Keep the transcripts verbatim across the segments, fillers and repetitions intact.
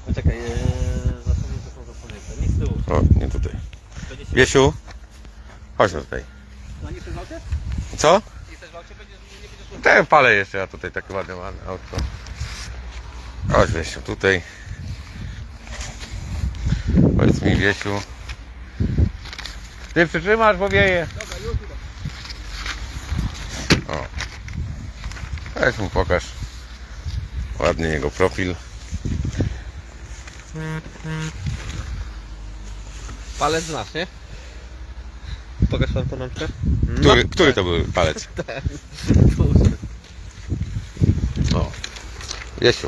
Poczekaj, ee, zasady to są zasłonięte. Nie z tyłu. O, nie tutaj. Wiesiu, chodź no tutaj. No nie chcesz w aucie? Co? Nie chcesz w aucie? Będziesz, nie będziesz szło. Te palę jeszcze, ja tutaj takie ładne ładne autko. Chodź Wiesiu, tutaj. Powiedz mi Wiesiu. Ty przytrzymasz, bo wieje. Dobra, już idę. O. Weź mu pokaż. Ładny jego profil. Palec znasz, nie? Pokaż tam tą lampkę. Który, który to był palec? Duży. O. Wiesiu.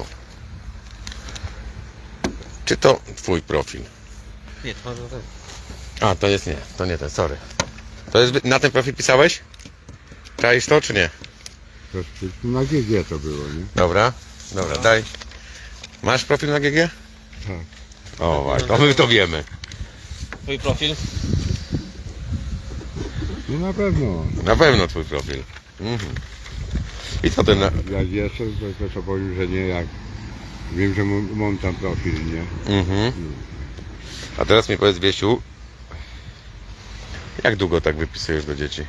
Czy to twój profil? Nie, to może ten. A, to jest nie, to nie ten, sorry. To jest, na ten profil pisałeś? Czaisz to, czy nie? To na G G to było, nie? Dobra, dobra, daj. Masz profil na G G? Tak. O, właśnie, to my to wiemy. Twój profil? No na pewno. Na pewno twój profil. Mhm. I co ten... na- Jak jestem, to, to, to powiem, że nie jak. Wiem, że mam, mam tam profil, nie? Mhm. A teraz mi powiedz, Wiesiu, jak długo tak wypisujesz do dzieci?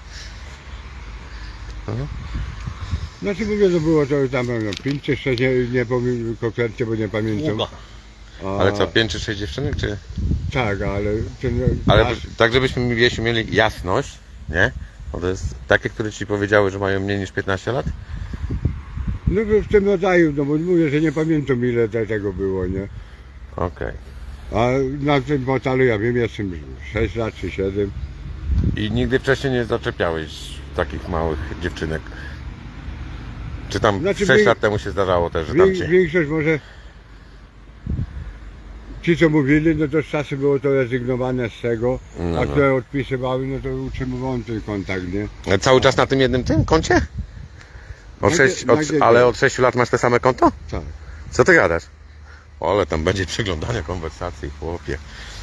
Znaczy mówię, że było to tam no, pięć czy sześć, nie, nie powiem konkretnie, bo nie pamiętam. Długo. A, Ale co, pięć czy sześć dziewczynek, czy... Tak, ale ten Ale nasz, tak, żebyśmy, Wiesiu, mieli jasność, nie? Bo to jest takie, które ci powiedziały, że mają mniej niż piętnaście lat? no w tym rodzaju, no bo mówię, że nie pamiętam ile te, tego było, nie? Okej. A na tym portalu ja wiem, jestem sześć lat czy siedem. I nigdy wcześniej nie zaczepiałeś takich małych dziewczynek? Czy tam Znaczy, sześć wie- lat temu się zdarzało też, że tam Wiek, cię... większość może ci co mówili, no to z czasem było to rezygnowane z tego, No, a no. które odpisywały, no to utrzymywałem ten kontakt, nie? Cały czas na tym jednym tym koncie? Od Na sześć, gie- na od, gie- ale od sześciu lat masz te same konto? Tak. Co ty gadasz? O, ale tam będzie przeglądania konwersacji, chłopie.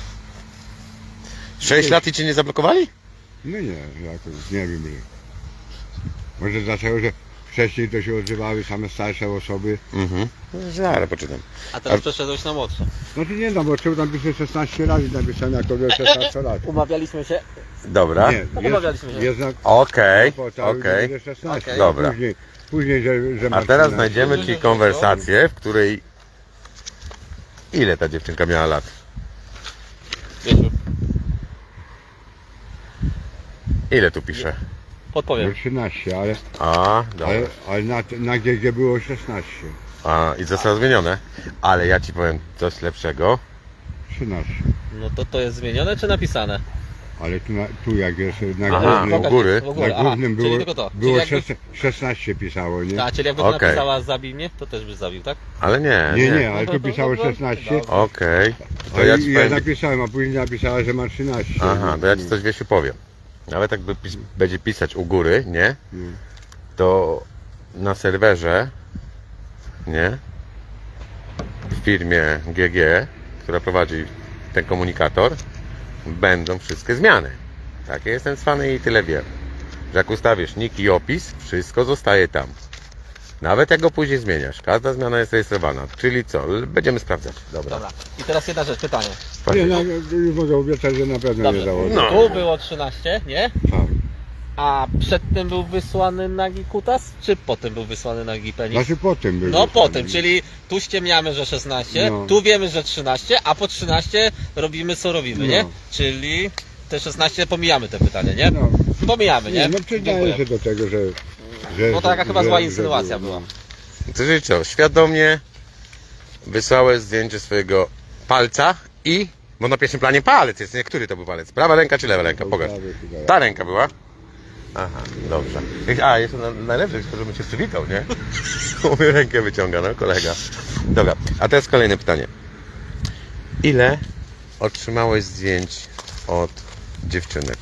Sześć lat i cię nie zablokowali? No nie, jakoś nie wiem. Że. Może dlatego, że wcześniej to się odzywały same starsze osoby. Mhm. Zaraz poczytam. A teraz A- przeszedłeś na młodsze. Znaczy nie no, bo trzeba napisać szesnaście razy napisane jako szesnaście lat. Umawialiśmy się. Dobra. Nie, umawialiśmy się. jest, jest na Okej, portalu, okej. że szesnaście. Okej. Dobra. Później, później że, że A masz teraz trzynaście. znajdziemy ci konwersację, w której... Ile ta dziewczynka miała lat? Wiesiu, Ile tu pisze? No podpowiem. trzynaście, ale, A, dobra. ale, ale na, na G G było szesnaście. A, i zostało zmienione. Ale ja ci powiem coś lepszego. trzynaście. No to to jest zmienione czy napisane? Ale tu, na, tu jak jest na Aha, głównym, u góry. W ogóle, na aha, głównym czyli było, tylko to. było czyli jakby, szes- szesnaście pisało, nie? a, czyli jakby Okej. napisała zabij mnie, to też byś zabił, tak? Ale nie, Nie, nie. nie, ale tu pisało Dobra. szesnaście. Okej. To A ja ja, ci ja powiem... napisałem, a później napisała, że ma trzynaście. Aha, to ja ci coś, Wiesiu, powiem. Nawet jakby pis będzie pisać u góry, nie? Nie. To na serwerze, nie? W firmie G G, która prowadzi ten komunikator, będą wszystkie zmiany. Takie jestem cwany i tyle wiem. Że jak ustawisz nick i opis, wszystko zostaje tam. Nawet jak go później zmieniasz. Każda zmiana jest rejestrowana. Czyli co? L- Będziemy sprawdzać. Dobra. Dobra. I teraz jedna rzecz, pytanie. Nie, no, już mogę obiecać, że na pewno Dobrze. nie założę. No. Tu było trzynaście, nie? Tak. A przedtem był wysłany nagi kutas, czy potem był wysłany nagi penis? Znaczy potem był. No wysłany. potem, czyli tu ściemniamy, że szesnaście, No. tu wiemy, że trzynaście, a po trzynaście robimy co robimy, nie? No. Czyli te szesnaście pomijamy te pytanie, nie? No, Pomijamy, nie? nie, no przyznaję Dziękuję. się do tego, że... że No to taka że- chyba zła że- insynuacja że było, była. Czyli co? Świadomie wysłałeś zdjęcie swojego palca i... Bo na pierwszym planie palec jest, nie? Który to był palec? Prawa ręka czy lewa ręka? no. Pokaż. Prawie chyba. Ta ręka była? Aha, dobrze. A, jeszcze na, najlepsze, żebym cię przywitał, nie? Mówię, rękę wyciąga, no kolega. Dobra, a teraz kolejne pytanie. Ile otrzymałeś zdjęć od dziewczynek?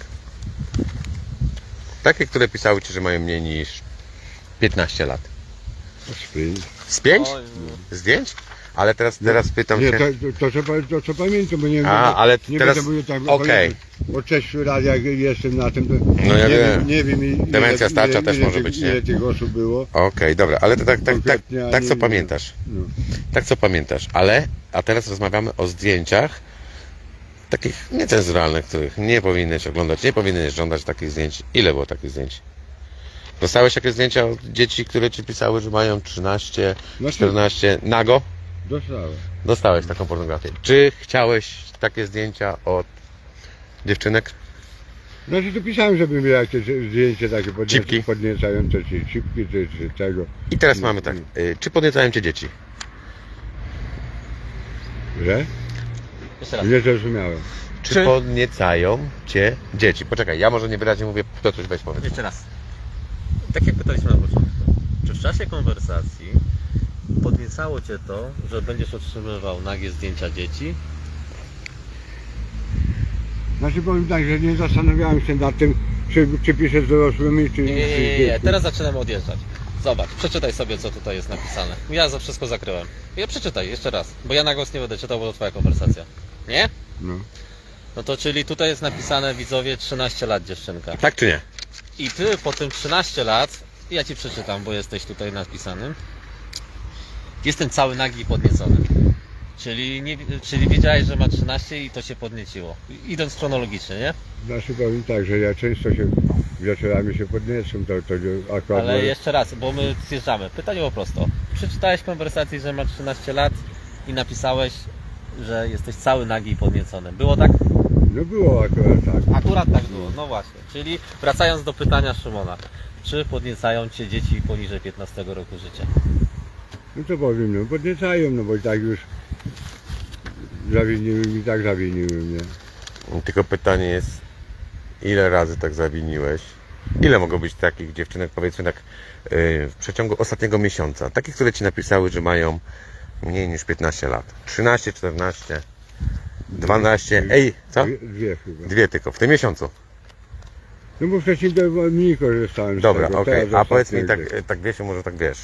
Takie, które pisały ci, że mają mniej niż piętnaście lat. Sprint. Z pięć Oj, zdjęć? ale teraz, teraz pytam Nie, się... to, to, to, co, pa- to co pamiętam, bo nie A, będę, ale nie teraz- będę mówił tak, okej. Bo sześciu lat jak jestem na tym, to No ja nie, wiem. wiem, nie wiem ile, Demencja starcza ile, też ile, może tych- być, nie? ile tych osób było. Okej, dobra, ale to tak, tak, tak, Konkretnie, a tak nie- co nie- pamiętasz. No. Tak co pamiętasz, ale, a teraz rozmawiamy o zdjęciach takich niecenzuralnych, których nie powinieneś oglądać, nie powinieneś żądać takich zdjęć. Ile było takich zdjęć? Dostałeś jakieś zdjęcia od dzieci, które ci pisały, że mają trzynaście, Znaczy- czternaście, nago? Dostałem. Dostałeś taką pornografię. Czy chciałeś takie zdjęcia od dziewczynek? Znaczy tu pisałem, żeby miał jakieś zdjęcie takie Cipki. podniec- podniecające, czy cipki, czy, czy tego. I teraz No, mamy tak, no. y, czy podniecają cię dzieci? Że? Jeszcze raz. Nie zrozumiałem. Czy, Czy- podniecają cię dzieci? Poczekaj, ja może niewyraźnie mówię, to coś weź powiedz. Jeszcze raz. Tak jak pytaliśmy na początku. Czy w czasie konwersacji podniecało Cię to, że będziesz otrzymywał nagie zdjęcia dzieci? Znaczy powiem tak, że nie zastanawiałem się nad tym, czy, czy piszę z dorosłymi, czy... Nie, nie, czy nie, nie, dzieci. teraz zaczynamy odjeżdżać. Zobacz, przeczytaj sobie, co tutaj jest napisane. Ja za wszystko zakryłem. Ja przeczytaj jeszcze raz, bo ja na głos nie będę czytał, bo to Twoja konwersacja. Nie? No. No to czyli tutaj jest napisane, widzowie, trzynaście lat dziewczynka. Tak czy nie? I Ty po tym trzynaście lat, ja Ci przeczytam, bo jesteś tutaj napisany, jestem cały nagi i podniecony. Czyli, nie, czyli wiedziałeś, że ma trzynaście i to się podnieciło. Idąc chronologicznie, nie? Znaczy powiem tak, że ja często się wieczorami się podniecam, to, to akurat... Ale jeszcze raz, bo my zjeżdżamy. Pytanie po prosto. Przeczytałeś w konwersacji, że ma trzynaście lat i napisałeś, że jesteś cały nagi i podniecony. Było tak? No było akurat tak. Akurat tak było, no właśnie. Czyli wracając do pytania Szymona. Czy podniecają Cię dzieci poniżej piętnastego roku życia? No to powiem, no podniecają, no bo i tak już zawiniły mi, tak zawiniły mnie. Tylko pytanie jest, ile razy tak zawiniłeś? Ile mogło być takich dziewczynek, powiedzmy tak, yy, w przeciągu ostatniego miesiąca? Takich, które ci napisały, że mają mniej niż piętnaście lat. trzynaście, czternaście, dwanaście, ej, co? Dwie, dwie chyba. Dwie tylko, w tym miesiącu. No bo wcześniej to mniej korzystałem z Dobra, tego. okej, teraz a powiedz mi ostatnio tak, gdzieś. tak wiesz, może tak wiesz.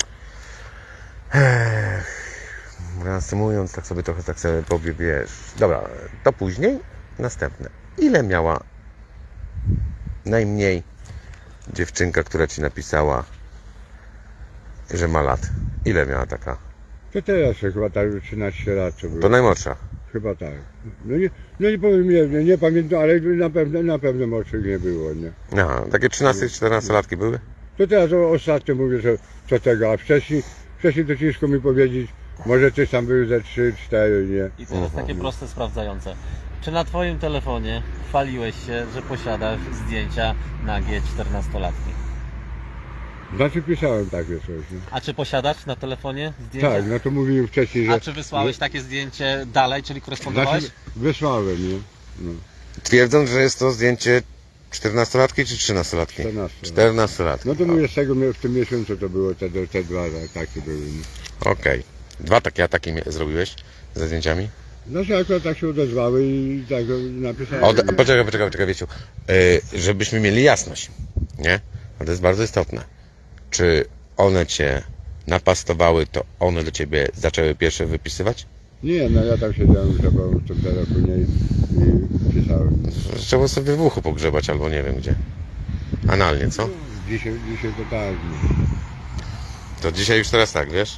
Ech, reasumując, tak sobie trochę tak sobie powie, wiesz. Dobra, to później, następne. Ile miała najmniej dziewczynka, która ci napisała, że ma lat? Ile miała taka? To teraz chyba tak już trzynaście lat co było. To najmłodsza. Chyba tak. No nie, no nie powiem, nie, nie, nie pamiętam, ale na pewno, na pewno młodszych nie było, nie. Aha, takie trzynaście czternaście latki były? To teraz o, ostatnio mówię, że co tego, a wcześniej, wcześniej to ciężko mi powiedzieć, może coś tam były ze trzy, cztery, nie. I teraz takie proste, sprawdzające. Czy na Twoim telefonie chwaliłeś się, że posiadasz zdjęcia nagie czternastolatki? Znaczy pisałem takie coś, nie. A czy posiadasz na telefonie zdjęcia? Tak, no to mówiłem wcześniej, że... A czy wysłałeś takie zdjęcie dalej, czyli korespondowałeś? Znaczy, wysłałem, nie. No, Twierdząc, że jest to zdjęcie czternastolatki czy trzynastolatki? czternaście. czternastolatki. No to mówię, z tego w tym miesiącu to było, te, te dwa takie były, nie. Okej. Dwa takie ataki mie- zrobiłeś ze zdjęciami? Znaczy akurat tak się odezwały i tak napisałem. Od, nie. poczekaj, poczekaj, poczekaj, Wiesiu. Yy, żebyśmy mieli jasność, nie? A to jest bardzo istotne. Czy one cię napastowały, to one do ciebie zaczęły pierwsze wypisywać? Nie, no ja tam siedziałem z tobą w tym telefonie i, i pisałem. Trzeba sobie w uchu pogrzebać albo nie wiem gdzie. Analnie, co? Dzisiaj, dzisiaj to tak, nie. To dzisiaj już teraz tak, wiesz?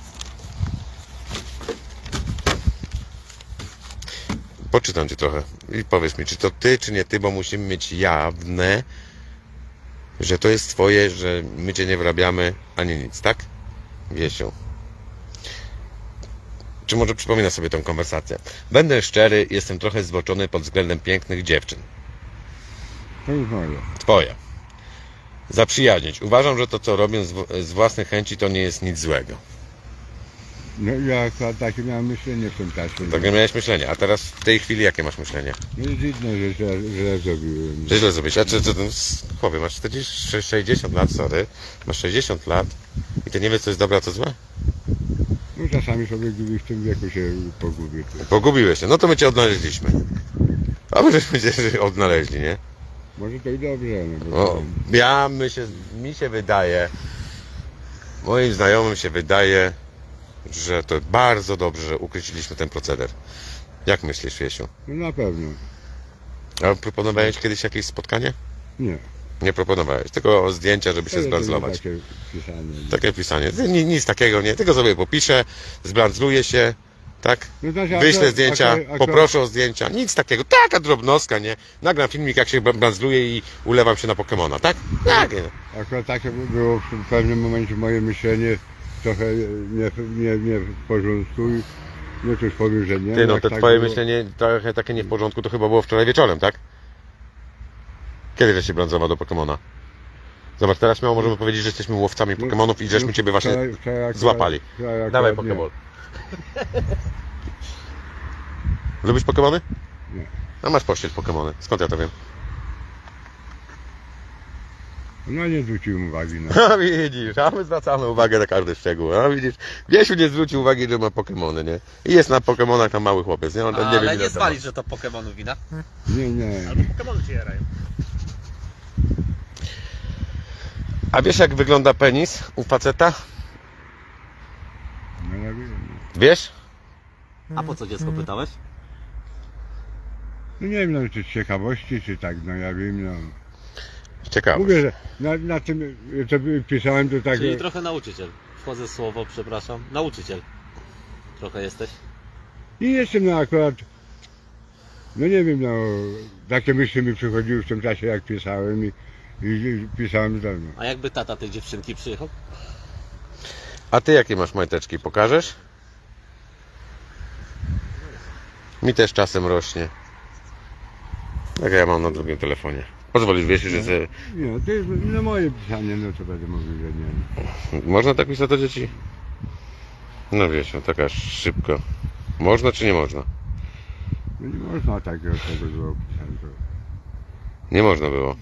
Poczytam cię trochę i powiedz mi, czy to ty, czy nie ty, bo musimy mieć jawne, że to jest twoje, że my cię nie wyrabiamy, ani nic, tak? Wiesiu. Czy może przypomina sobie tą konwersację? Będę szczery, jestem trochę zboczony pod względem pięknych dziewczyn. To już moje. Twoje. Zaprzyjaźnić. Uważam, że to, co robię z, w- z własnej chęci, to nie jest nic złego. No ja akurat takie miałem myślenie w tym czasie. Takie miałeś myślenie, a teraz w tej chwili jakie masz myślenie? No jest inne, że źle, źle zrobiłem. Że źle zrobić. A czy, czy, chłopie, masz czterdzieści, sześćdziesiąt lat, sorry. Masz sześćdziesiąt lat i ty nie wiesz, co jest dobre, a co złe? No czasami sobie w tym wieku się pogubię. Pogubiłeś się. No to my cię odnaleźliśmy. A my żeśmy cię odnaleźli, nie? Może to i dobrze, no bo O, ja my się, mi się wydaje, moim znajomym się wydaje, że to bardzo dobrze, że ukryciliśmy ten proceder. Jak myślisz, Wiesiu? No na pewno. A proponowałeś kiedyś jakieś spotkanie? Nie. Nie proponowałeś, tylko zdjęcia, żeby się To jedynie zbranzlować. Takie pisanie. Takie pisanie. Ni- Nic takiego nie, tylko sobie popiszę, zbranzluję się, tak? No znaczy, Wyślę akurat- zdjęcia, akurat- poproszę o zdjęcia, nic takiego. Taka drobnostka, nie? Nagram filmik, jak się bra- branzluję i ulewam się na Pokemona, tak? Tak. nie. Akurat takie było w pewnym momencie moje myślenie trochę nie, nie, nie w porządku i no cóż powiem, że nie. Ty, no Jak to tak twoje było- myślenie trochę takie nie w porządku, to chyba było wczoraj wieczorem, tak? Kiedy żeś się branzował do Pokemona? Zobacz, teraz śmiało możemy powiedzieć, że jesteśmy łowcami No, Pokemonów i żeśmy no, ciebie właśnie wczoraj- wczoraj akurat- złapali. wczoraj akurat Dawaj nie. Pokemon. Lubisz Pokemony? Nie. A masz pościel Pokemony. Skąd ja to wiem? No nie zwróciłem uwagi na A widzisz, a my zwracamy uwagę na każdy szczegół. A widzisz, Wiesiu nie zwrócił uwagi, że ma Pokemony, nie? I jest na Pokemonach tam mały chłopiec, nie? On tam nie Ale wie, nie ile to ma. zwalisz, że to Pokemonów wina. Nie, nie. Albo Pokemony cię jarają. A wiesz, jak wygląda penis u faceta? No ja wiem. Wiesz? A po co dziecko pytałeś? No nie wiem, no, czy z ciekawości, czy tak, no ja wiem, no. Ciekawe. Mówię, że na, na tym, co pisałem, to tak... Czyli trochę nauczyciel. Wchodzę w słowo, przepraszam. Nauczyciel. Trochę jesteś. I jestem no akurat, no nie wiem, no, takie myśli mi przychodziły w tym czasie, jak pisałem i, i, i pisałem do mnie. A jakby tata tej dziewczynki przyjechał? A ty jakie masz majteczki? Pokażesz? Mi też czasem rośnie. Tak ja mam na drugim telefonie. Pozwolisz, wiesz, że sobie... Nie, to jest no, moje pisanie, no to będę mówił, że nie. Można tak pisać do dzieci? No wiesz, no taka szybko. Można czy nie można? No nie można takiego tego było pisać. To... Nie można było.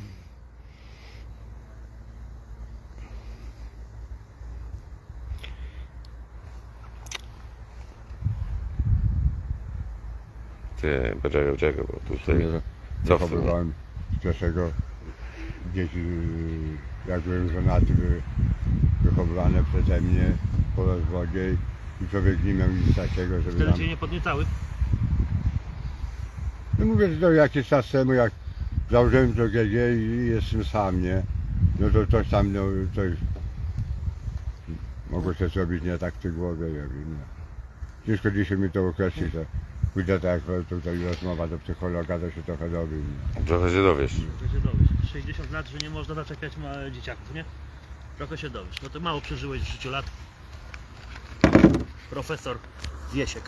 Ty, poczekaj, poczekaj, bo tutaj... Co w tym? Wychowywałem z pierwszego dzieci, jak byłem żonaty, były wychowywane przeze mnie po rozwodzie i człowiek nie miał nic takiego, żeby Wtedy tam... cię nie podniecały? No mówię, że to jakiś czas temu, jak założyłem to G G i jestem sam, nie? No to coś tam, no coś mogło się zrobić nie tak w tej głowie, ja wiem, no. Ciężko dzisiaj mi to określić, to pójdę tak jak tutaj rozmowa do psychologa, to się trochę dowiem. Trochę się dowiesz. Trochę się dowiesz. sześćdziesiąt lat, że nie można zaczepiać ma dzieciaków, nie? Trochę się dowiesz. No to mało przeżyłeś w życiu lat. Profesor Wiesiek.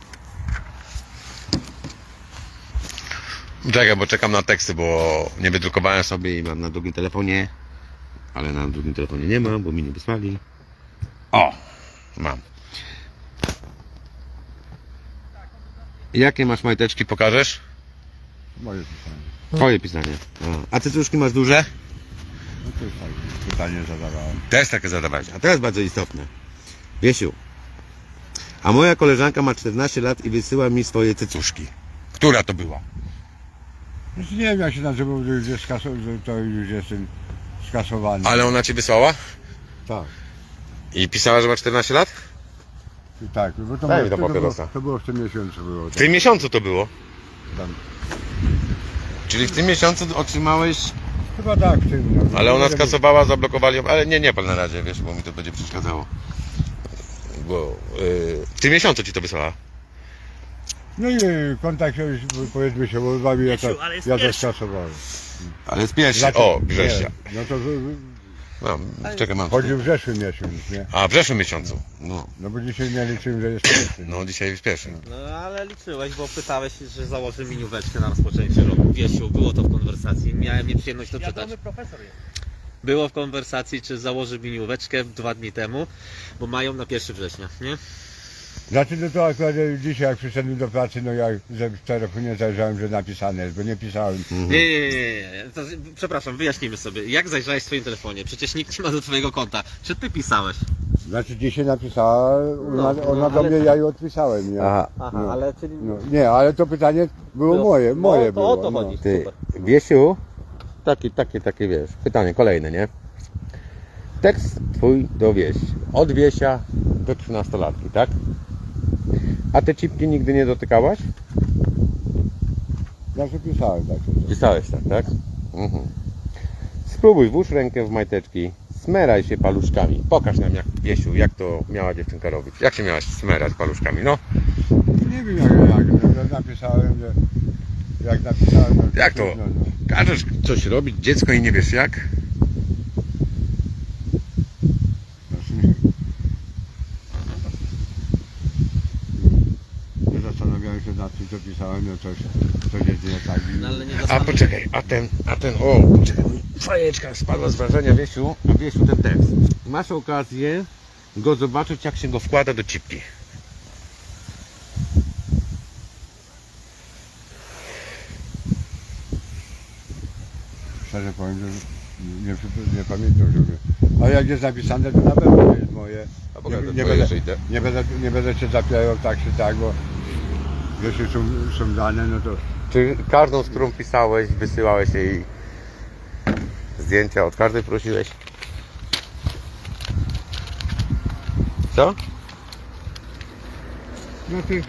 Czekaj, bo czekam na teksty, bo nie wydrukowałem sobie i mam na drugim telefonie. Ale na drugim telefonie nie mam, bo mi nie wysłali. O! Mam. Jakie masz majteczki, pokażesz? Moje pisanie. Twoje pisanie. A, a cycuszki masz duże? No to jest tak, pytanie zadawałem. Też takie zadawałeś. A teraz bardzo istotne. Wiesiu, a moja koleżanka ma czternaście lat i wysyła mi swoje cycuszki. Która to była? Znaczy nie wiem jak się nazywał, że już jest skaso- że to już jestem skasowany. Ale ona ci wysłała? Tak, I pisała, że ma czternaście lat? tak, bo to, Daj mi było, do to, było, papierosa. to było w tym miesiącu było. W tym miesiącu to było. Tam. Czyli w tym miesiącu otrzymałeś... Chyba tak, w tym. No, Ale ona Nie wiem. skasowała, zablokowali ją, ale nie, nie pan na razie, wiesz, bo mi to będzie przeszkadzało. Bo yy, w tym miesiącu ci to wysłała. No i kontakt się już, powiedzmy się urwał i ja to, Miesiu, ale jest ja to pierwszy. skasowałem. Ale z pierwszy, Znaczy, o, września. nie, No to w- No, czekaj, mam. chodzi w zeszły miesiąc, nie? A, w zeszłym miesiącu. No, No bo dzisiaj nie liczyłem, że jest pierwszy. no dzisiaj jest pierwszy. No ale liczyłeś, bo pytałeś, że założy minióweczkę na rozpoczęcie roku. Wiesiu, było to w konwersacji. Miałem nieprzyjemność to czytać. Wiadomy profesor jest. Było w konwersacji, czy założy minióweczkę dwa dni temu, bo mają na pierwszego września, nie? Znaczy no to akurat dzisiaj jak przyszedłem do pracy, no ja ze w telefonie zajrzałem, że napisane jest, bo nie pisałem. Nie, nie, nie, nie, nie. To, przepraszam, wyjaśnijmy sobie. Jak zajrzałeś w swoim telefonie? Przecież nikt nie ma do twojego konta. Czy ty pisałeś? Znaczy dzisiaj napisała, ona, no, ona do ale mnie, to- ja jej odpisałem, nie? Aha. Aha, No. ale czyli... No, nie, ale to pytanie było moje, moje no, to było. o to no. chodzi. Ty, Super. Wiesiu, takie, takie, takie, wiesz, pytanie kolejne, nie? tekst twój do wieś. Od wiesia do trzynastolatki, tak? A te cipki nigdy nie dotykałaś? Zawsze pisałem takie. Pisałeś tak, tak? Mhm. Spróbuj, włóż rękę w majteczki, smeraj się paluszkami. Pokaż nam, jak, Wiesiu, jak to miała dziewczynka robić. Jak się miałaś smerać paluszkami, no? Nie wiem jak, jak no, napisałem, że jak napisałem... No, Jak to? No, no. Każesz coś robić, dziecko i nie wiesz jak? Nie zastanawiałem się nad tym, co pisałem, no coś, coś jest nie tak. i- No, ale nie A dostałem. poczekaj, a ten, a ten, o, poczekaj, fajeczka spadła z wrażenia, Wiesiu, a Wiesiu ten tekst. Masz okazję go zobaczyć, jak się go wkłada do cipki. Szczerze powiem, że nie, przypo- nie pamiętam, żeby... Ale jak jest napisane, to na pewno to jest moje. A pokaż Nie, te nie, twoje, będę, że idę. nie, będę, nie będę się zapierał tak czy tak, bo jeśli są, są dane, no to Czy każdą, z którą pisałeś, wysyłałeś jej zdjęcia, od każdej prosiłeś? Co? znaczy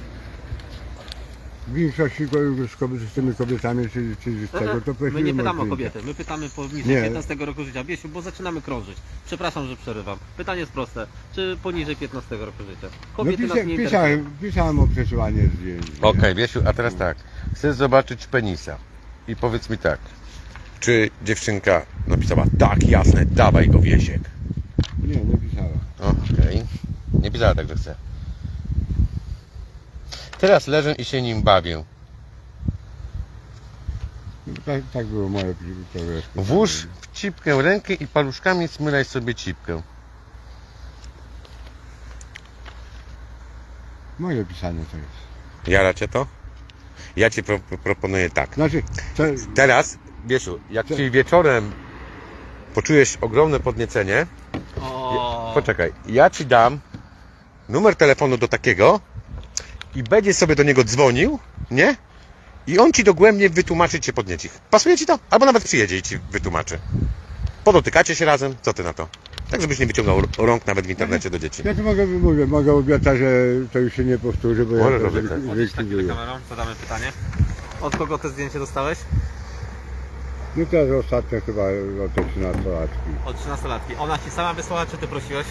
w większości ko- z, kobiet, z tymi kobietami czy, czy z tego to My prosiłem nie pytamy o zdjęcia. kobiety, my pytamy poniżej Nie. piętnastego roku życia. Biesiu, bo zaczynamy krążyć. Przepraszam, że przerywam. Pytanie jest proste. Czy poniżej piętnastego roku życia? No Kobiety pisa, nas nie interesują. pisałem, pisałem o przesyłanie zdjęć. nie? Okej, Wiesiu, a teraz tak. Chcę zobaczyć penisa. I powiedz mi tak. Czy dziewczynka napisała, tak, jasne, dawaj go, Wiesiek. Nie, nie pisałem. Okej. Nie pisała tak, że chce. Teraz leżę i się nim bawię. No, tak, tak było moje powierzchnie. Włóż w cipkę rękę i paluszkami smyraj sobie cipkę. Moje pisanie to jest. Jara cię to? Ja ci pro, proponuję tak. Znaczy, to, Teraz, Wiesiu, jak Co? ci wieczorem poczujesz ogromne podniecenie, O, poczekaj, ja ci dam numer telefonu do takiego i będziesz sobie do niego dzwonił, nie? I on ci dogłębnie wytłumaczy cię podnieci. Pasuje ci to? Albo nawet przyjedzie i ci wytłumaczy. Podotykacie się razem, co ty na to? Tak, żebyś nie wyciągał rąk nawet w internecie do dzieci. ja to mogę, mówię, mogę obiecać, że to już się nie powtórzy, bo Możesz ja to obiecać. chodzisz tak zlikwiduję. kamerą, zadamy pytanie. Od kogo to zdjęcie dostałeś? No teraz ostatnio chyba o te trzynastolatki. Od trzynastolatki. Ona ci sama wysłała, czy ty prosiłeś?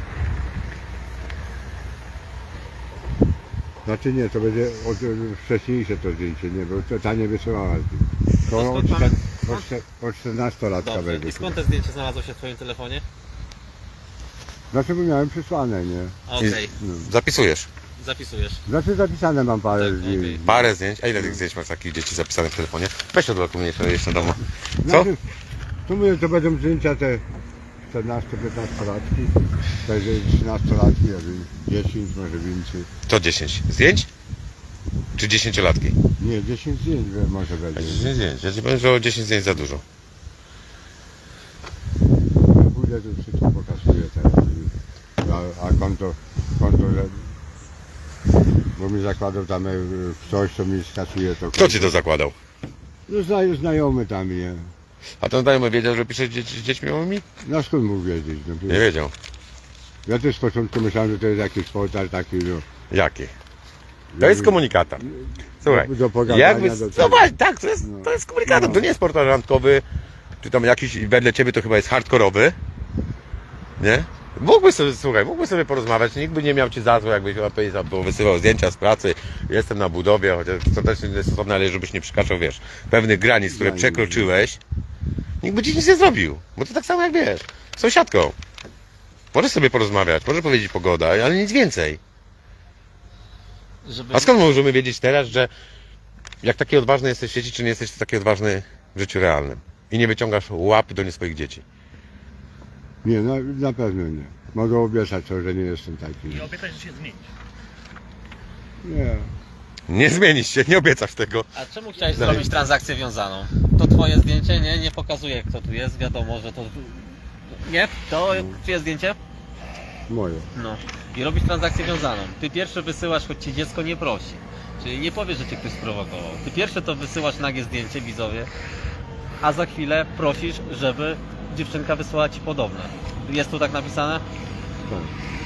Znaczy nie, to będzie od, wcześniejsze to zdjęcie, nie, bo to ta nie wysyłała. To To od, skąd mamy- czter- od, czter- od czternastolatka Dobrze. będzie. I skąd to zdjęcie znalazło się w twoim telefonie? Znaczy bo miałem przysłane, nie? Okej, No. Zapisujesz. zapisujesz. Znaczy zapisane mam parę Tak, zdjęć. okej. Parę zdjęć. A ile tych zdjęć masz takich dzieci zapisanych w telefonie? Weź odblokuj jeszcze, jeszcze domu. Co? Znaczy, to mówię, to będą zdjęcia te czternasto-piętnastolatki, będzie trzynastolatki, ja wiem, dziesięć, może więcej. To dziesięć zdjęć? Czy dziesięciolatki? Nie, dziesięć zdjęć we- może będzie. dziesięć zdjęć. Ja ci powiem, że o dziesięć zdjęć za dużo. Ja pójdę, to wszystko pokazuję teraz. A, a konto, konto, że... Bo mi zakładał tam e, ktoś, co mi skasuje to. Kto ci to zakładał? No zna, znajomy tam, nie? A ten znajomy wiedział, że piszesz dzieci, z dziećmi małymi? No skąd mógł wiedzieć? No, Nie wiedział. ja też z początku myślałem, że to jest jakiś portal taki, no. Jaki? To jest komunikator. Słuchaj, Do, do pogadania, jakby... do No tego. właśnie, tak, to jest, No. to jest komunikator. No. To nie jest portal randkowy, czy tam jakiś wedle ciebie to chyba jest hardkorowy. Nie? Mógłbyś sobie, słuchaj, mógłbyś sobie porozmawiać, nikt by nie miał ci za złe, jakbyś napisał, bo wysyłał zdjęcia z pracy, jestem na budowie, chociaż to też nie jest stosowne, ale żebyś nie przekraczał, wiesz, pewnych granic, które Granic, przekroczyłeś, nikt by ci nic nie zrobił, bo to tak samo jak wiesz, z sąsiadką. Możesz sobie porozmawiać, możesz powiedzieć pogoda, ale nic więcej. Żeby... A skąd możemy wiedzieć teraz, że jak taki odważny jesteś w sieci, czy nie jesteś taki odważny w życiu realnym i nie wyciągasz łap do nie swoich dzieci? Nie, na, na pewno nie. Mogę obiecać to, że nie jestem taki. I obiecać, że się zmienisz. Nie. Nie zmienisz się, nie obiecasz tego. A czemu chciałeś Dalej. zrobić transakcję wiązaną? To twoje zdjęcie, nie? Nie pokazuje, kto tu jest, wiadomo, że to... Nie? To czyje zdjęcie? Moje. No. I robisz transakcję wiązaną. Ty pierwszy wysyłasz, choć cię dziecko nie prosi. Czyli nie powiesz, że cię ktoś sprowokował. Ty pierwsze to wysyłasz nagie zdjęcie widzowie, a za chwilę prosisz, żeby dziewczynka wysłała ci podobne. Jest tu tak napisane? Tak.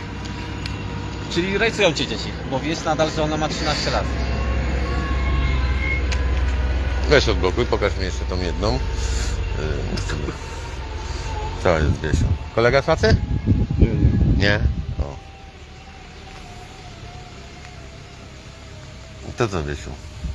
Czyli rejsują cię dzieci, bo wiesz nadal, że ona ma trzynaście lat. Weź odblokuj, pokaż mi jeszcze tą jedną. Yy, Co jest, Wiesiu? Kolega z pracy? Nie, nie. Nie? O. To co, Wiesiu?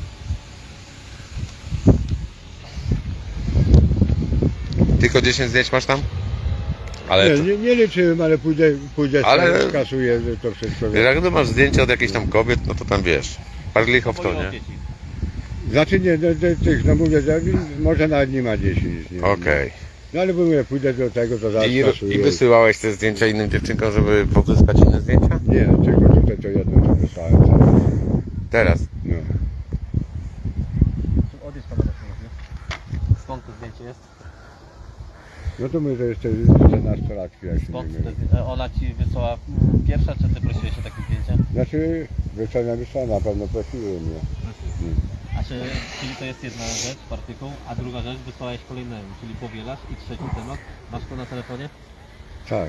Tylko dziesięć zdjęć masz tam? Ale Nie, to, nie, nie liczyłem, ale pójdę, pójdę Ale- ale... skasuję to wszystko. jak to masz zdjęcia od jakichś tam kobiet, no to tam wiesz. Parlicho w to, nie? Znaczy nie, do, do tych, no mówię, że może nawet nie ma dziesięć. Nie, Okej. No ale mówię, pójdę do tego, to zaraz I, skasuję. I wysyłałeś te zdjęcia innym dziewczynkom, żeby pozyskać inne zdjęcia? Nie, tylko tutaj to jedno, co wysłałem. Teraz. No. Odjedź kamerę, skąd to zdjęcie jest? No to mówię, że jeszcze czternastolatki, jak się nie Skąd mylę. te, zdję- ona ci wysłała mm, pierwsza, czy ty prosiłeś o takie zdjęcia? Znaczy, wysłałem, wysłałem, na pewno prosiły mnie. A czy, czyli to jest jedna rzecz, artykuł, a druga rzecz, wysłałeś kolejnemu, czyli powielasz i trzeci temat, masz to na telefonie? Tak.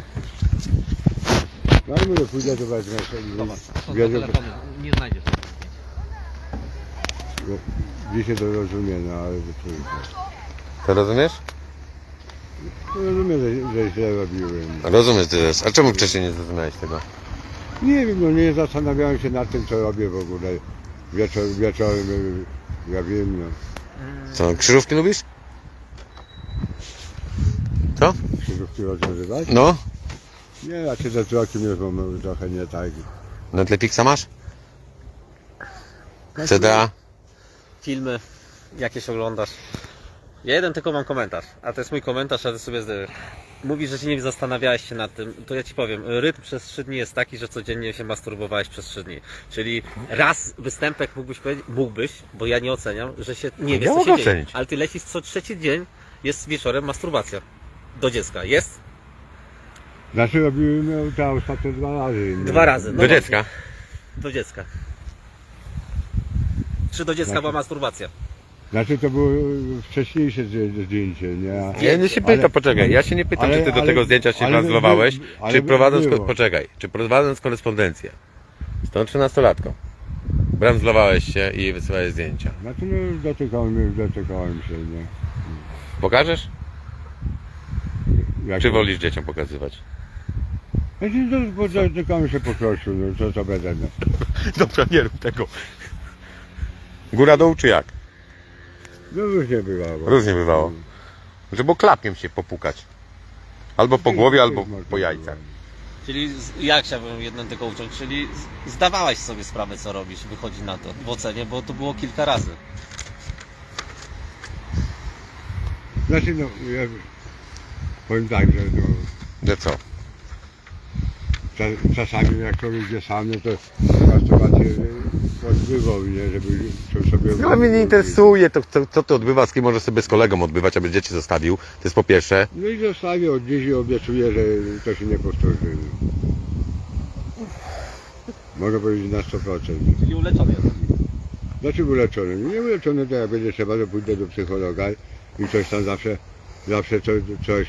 No ale mówię, pójdę, to wezmę sobie. Zobacz, są na Wiedzę, telefonie, nie znajdziesz tego zdjęcia. dzisiaj to rozumiem, no ale to trudno. To rozumiesz? No, rozumiem, że, że źle robiłem. Rozumiesz teraz. A czemu wcześniej nie zrozumiałeś tego? Nie wiem, no nie zastanawiałem się nad tym, co robię w ogóle. Wieczor, wieczorem, y, ja wiem, no. Co, krzyżówki lubisz? Co? Krzyżówki rozwiązywać? No? Nie, raczej ze wzrokiem jest bo trochę nie tak. Netflixa masz? C D A? Filmy jakieś oglądasz. Ja jeden tylko mam komentarz, a to jest mój komentarz, a ty sobie zdy... Mówisz, że się nie zastanawiałeś się nad tym, to ja ci powiem, rytm przez trzy dni jest taki, że codziennie się masturbowałeś przez trzy dni. Czyli raz występek mógłbyś powiedzieć, mógłbyś, bo ja nie oceniam, że się nie wiesz Ja co mogę się dzieje. ocenić. Ale ty lecisz co trzeci dzień, jest wieczorem masturbacja. Do dziecka. Jest? Znaczy robiłem no, te ostatnie dwa razy. nie? Dwa razy. No Do właśnie. dziecka. Do dziecka. Czy do dziecka Znaczy- była masturbacja? Znaczy to było wcześniejsze zdję- zdjęcie, nie? A- Ja nie się pytam, Ale- poczekaj. Ja się nie pytam, ale- czy ty do ale- tego zdjęcia się ale translowałeś, by- ale czy by- prowadząc, było. poczekaj, czy prowadząc korespondencję z tą trzynastolatką, brandzlowałeś się i wysyłałeś zdjęcia. Znaczy no dotykałem, dotykałem się, nie? Pokażesz? Jak Czy wolisz dzieciom pokazywać? Znaczy no, bo dotykałem się po prostu, no co to będę. No. Dobra, nie rób tego. Góra dół czy jak? No różnie bywało. Różnie bywało. Żeby klapkiem się popukać. Albo po głowie, albo po jajcach. Czyli z- ja chciałbym jedną tylko uciąć, czyli z- zdawałeś sobie sprawę co robisz, wychodzi na to w ocenie, bo to było kilka razy. Znaczy no, ja powiem tak, że no, Że co? Cza- czasami jak człowiek idzie sam, no to masturbację odbywał, nie, żeby to sobie... No mnie nie interesuje to, co, co to odbywa, z kim może sobie z kolegą odbywać, aby dzieci zostawił. To jest po pierwsze. No i zostawię od dziś i obiecuję, że to się nie powtórzy. Mogę powiedzieć na sto procent. Czyli uleczony jest. Znaczy uleczony? Nie uleczony, to jak będzie trzeba, to pójdę do psychologa i coś tam zawsze, zawsze coś, coś.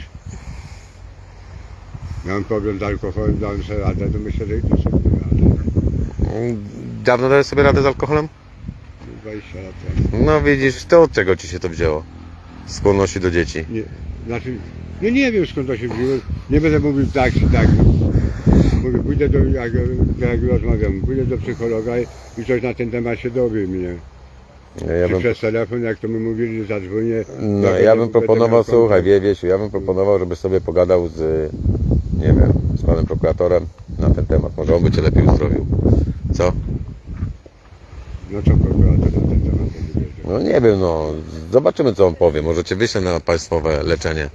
Miałem problem z alkoholem, dałem sobie radę, to myślę, że i to sobie radę. Dawno dałeś sobie radę z alkoholem? dwadzieścia lat temu. No widzisz, to od czego ci się to wzięło? Skłonności do dzieci. Nie, znaczy, no nie wiem skąd to się wzięło, nie będę mówił tak czy tak. Mówię, pójdę do, jak, jak rozmawiam, pójdę do psychologa i, i coś na ten temat się dowiem, nie? Ja Czy bym, przez telefon, jak to mi mówili, zadzwonię. no, jak ja będę- bym będę proponował, miał słuchaj, kontakt. wie, Wiesiu, ja bym proponował, żebyś sobie pogadał z, nie wiem, z panem prokuratorem na ten temat. Może on by cię lepiej uzdrowił. Co? No co prokurator na ten temat będzie wiedział? No nie wiem, no. Zobaczymy, co on powie. Może cię wyślę na państwowe leczenie.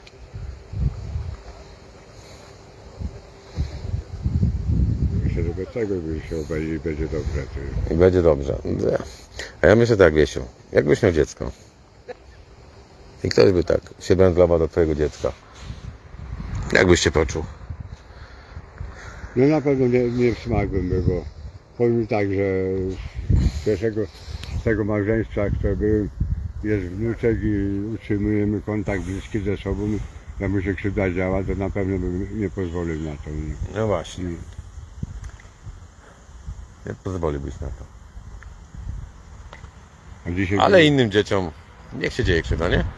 Myślę, że bez tego by się obejdzie i będzie dobrze. Ty. I będzie dobrze. A ja myślę tak, Wiesiu, jakbyś miał dziecko i ktoś by tak się wędlował do twojego dziecka, jakbyś się poczuł? No na pewno nie, nie w smak bym był, bo powiem mi tak, że z pierwszego z tego małżeństwa, które byłem, jest wnuczek i utrzymujemy kontakt bliski ze sobą. że mu się krzywda działa, to na pewno bym nie pozwolił na to. Nie? No właśnie. Nie pozwoliłbyś na to. A dzisiaj Ale innym dzieciom niech się dzieje krzywda, nie?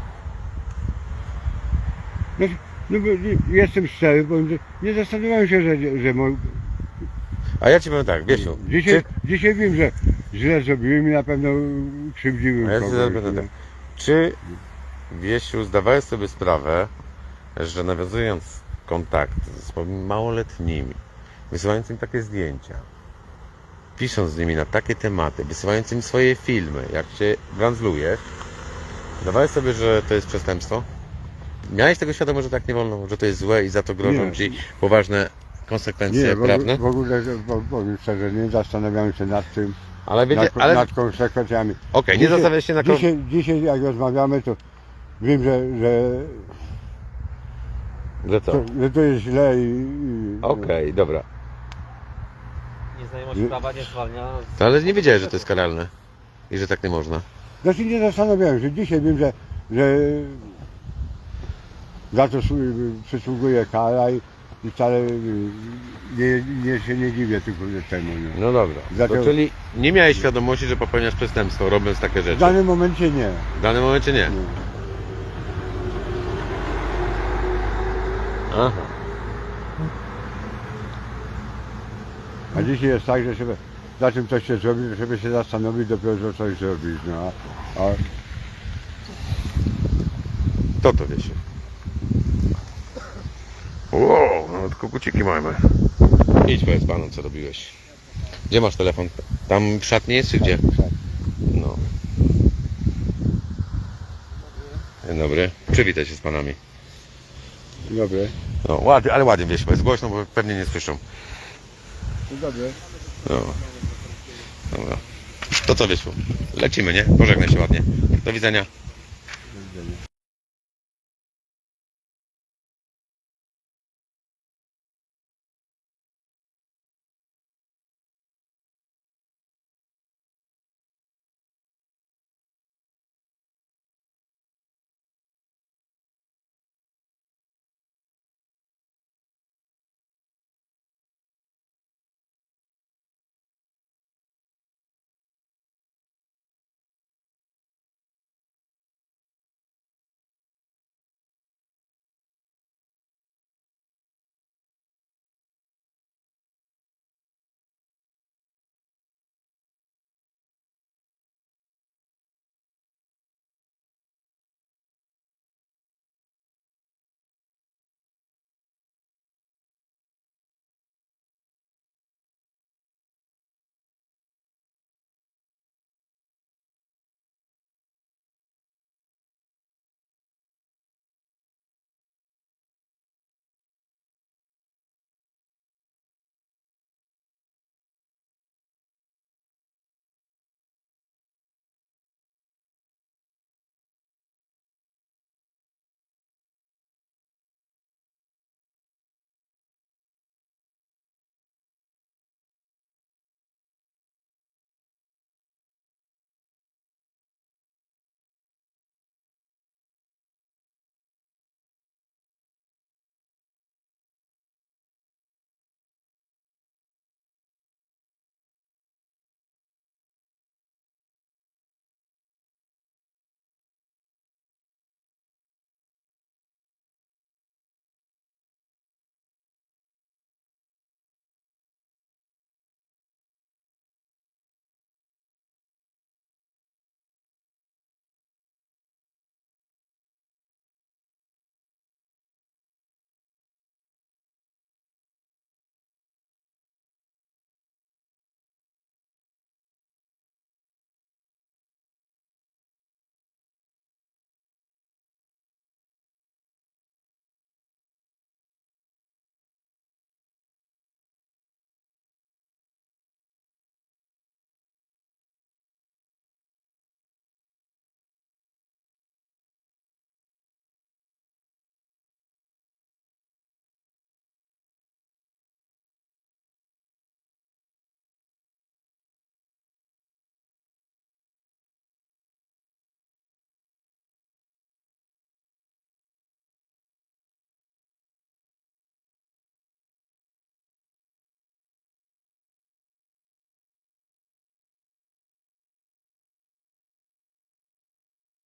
No, no bo nie- jestem szczery, bo nie- nie zastanawiałem się, że, że mo... A ja ci powiem tak, Wiesiu, dzisiaj, czy, dzisiaj wiem, że źle zrobiłem i na pewno krzywdziłem a ja ci kogoś. zaraz będę nie? tak. Czy Wiesiu zdawałeś sobie sprawę, że nawiązując kontakt ze swoimi małoletnimi, wysyłając im takie zdjęcia, pisząc z nimi na takie tematy, wysyłając im swoje filmy, jak się brandzlujesz, zdawałeś sobie, że to jest przestępstwo? Miałeś tego świadomość, że tak nie wolno, że to jest złe i za to grożą Nie. ci poważne konsekwencje Nie, w prawne? ogóle, w ogóle bo- powiem szczerze, nie zastanawiałem się nad tym, Ale wiecie, nad, ale nad konsekwencjami. okej, nie Dzisiaj- zastanawiałeś się na kon... Dzisiaj, dzisiaj jak rozmawiamy, to wiem, że, że, Że co? to, że to jest źle i... i Okej, dobra. Nieznajomość prawa nie zwalnia. To ale nie wiedziałeś, że to jest karalne i że tak nie można. Znaczy nie zastanawiałem się, dzisiaj wiem, że, że za to słu- przysługuje kara i, i wcale nie, nie się nie dziwię tylko temu. Nie. No dobra. Dlatego- To czyli nie miałeś świadomości, że popełniasz przestępstwo, robiąc takie W rzeczy. danym momencie nie. W danym momencie nie. nie. Aha. A dzisiaj jest tak, że żeby za czym coś się zrobi, to żeby się zastanowić dopiero, że coś zrobić. No, a, a To to wiecie. Wow, nawet koguciki mamy. Idź powiedz panu, co robiłeś. Gdzie masz telefon? Tam w szatni jest, czy gdzie? No. Dzień dobry. Przywitaj się z panami. Dobre. No, ładnie, ale ładnie wieś, jest głośno, bo pewnie nie słyszą. Dobre. No. Dobra. To co, Wiesiu? Lecimy, nie? Pożegnaj się ładnie. Do widzenia. Do widzenia.